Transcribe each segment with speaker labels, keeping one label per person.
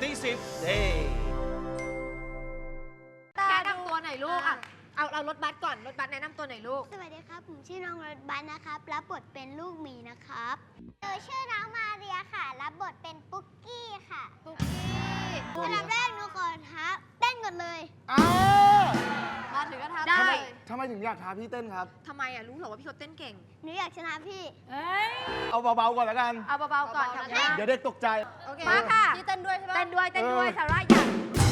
Speaker 1: ตี10เด้
Speaker 2: แนะนำตัวหน่อยลูกอ่ะเอารถบัสก่อนรถบัสแนะนำตัวหน่อยลูก
Speaker 3: สวัสดีครับผมชื่อน้องรถบัสนะครับรับบทเป็นลูกหมีนะครับชื่อน้องมาเรียค่ะรับบทเป็นปุ๊กกี้ค่ะ
Speaker 2: ปุ๊กกี้
Speaker 3: อันดับแรกหนูขอท้าเต้นก่อนเลย
Speaker 2: มาถึงก็ทำ
Speaker 4: ได้
Speaker 2: ได้
Speaker 4: ทำไมถึงอยากท้าพี่เต้นครับ
Speaker 2: ทำไมอ่ะรู้เหรอว่าพี่เขาเต้นเก่ง
Speaker 3: หนูอยากชนะพี่
Speaker 4: เอาเบาๆก่อนแล้วกัน
Speaker 2: เอาเบาๆก่อนทำได้
Speaker 4: เดี๋ยวเด็กตกใจ
Speaker 2: โอเค
Speaker 5: มาค่ะ
Speaker 2: พี่เต้นด้วยใช่ไหม
Speaker 5: เต้นด้วย
Speaker 2: เต้นด้วย
Speaker 4: เออ
Speaker 2: สาระอยาก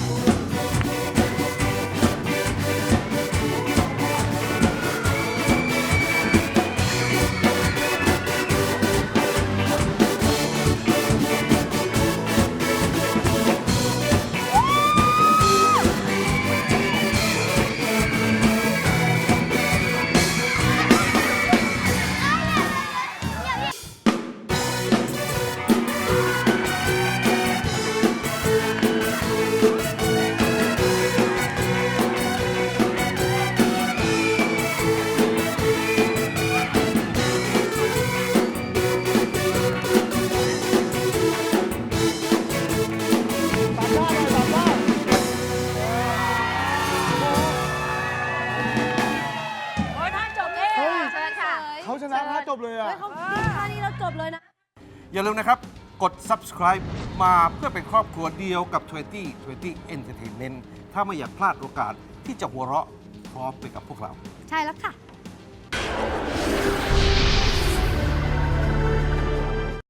Speaker 5: โอ้ยท่านจบเอง
Speaker 4: เฮ้ย
Speaker 2: เชิญค่ะ
Speaker 4: เขาชนะท่าจบเลยอ่ะ
Speaker 5: เฮ้ยเขาท่านี้เราจบเลยนะ
Speaker 1: อย่าลืมนะครับ กด subscribe มาเพื่อเป็นครอบครัวเดียวกับ 20 Entertainment ถ้าไม่อยากพลาดโอกาสที่จะหัวเราะพร้อมไปกับพวกเรา
Speaker 5: ใช่แล้วค่ะ